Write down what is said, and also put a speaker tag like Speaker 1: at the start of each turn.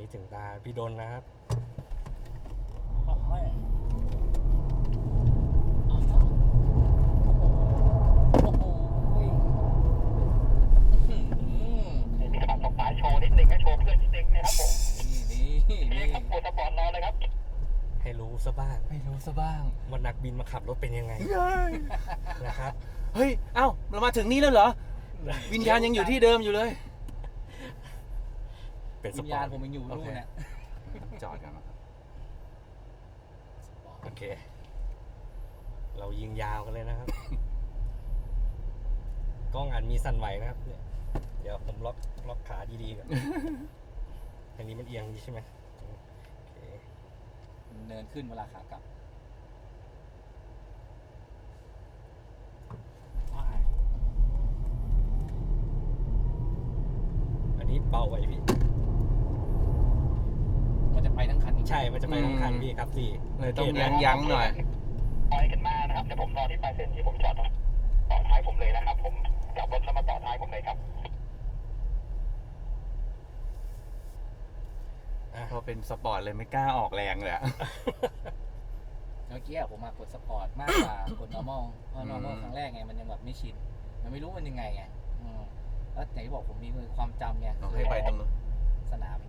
Speaker 1: นี้ถึงตาพี่ดนนะครับ
Speaker 2: โอ้โหโอ้โห
Speaker 3: มีขับตกปลายโชว์นิดนึงนะโชว์เพื่อนนิดนึงนะครับผม
Speaker 2: นี่
Speaker 3: นี่ครับปวดสปอร์ตรอเลยครับ
Speaker 1: ให้รู้ซะบ้าง
Speaker 2: ไม่รู้ซะบ้าง
Speaker 1: ว่านักบินมาขับรถเป็นยังไงนะครับ
Speaker 2: เฮ้ย เอ้า เรามาถึงนี่แล้วเหรอ วิญญาณยังอยู่ที่เดิมอยู่เลย
Speaker 1: เป็นส
Speaker 2: วิญ
Speaker 1: ปอ
Speaker 2: ญาณ
Speaker 1: ร์ต
Speaker 2: ผมยังอยู่
Speaker 1: โอ
Speaker 2: นู่น
Speaker 1: เค
Speaker 2: เนี่ย
Speaker 4: จอดกันนะครับ
Speaker 1: โอเค เรายิงยาวกันเลยนะครับ กล้องอันมีสั่นไหวนะครับเนี่ยเดี๋ยวผมล็อกขาดีๆก่อน อันนี้มันเอียงดีใช่ไหมโอเค
Speaker 2: เนินขึ้นเวลาขากลับ
Speaker 1: อันนี้เบาไว้พี่
Speaker 2: มันจะไปทั้งคัน
Speaker 1: ใช่ มันจะไปทั้งคันพี่ครับสี่
Speaker 4: เลยต้องยั้งหน่อย
Speaker 3: ปล่อยกันมานะครับเดี๋ยวผมรอที่ปลายเส้นที่ผมจอดต่อท้ายผมเลยนะครับ ผมกลับรถแล้วมาต่อท้ายผมเลยครับ
Speaker 4: พอเป็นสปอร์ตเลยไม่กล้าออกแรงเลยอะ
Speaker 2: เมื่อกี้ผมมากดสปอร์ตมากกว่ากด normal เพราะ normal ครั้งแรกไงมันยังแบบไม่ชิน มันไม่รู้มันยังไงไงแล้วอย่างที่บอกผมมีความจำไง
Speaker 4: เราให้ไปตรงนู้น
Speaker 2: สนาม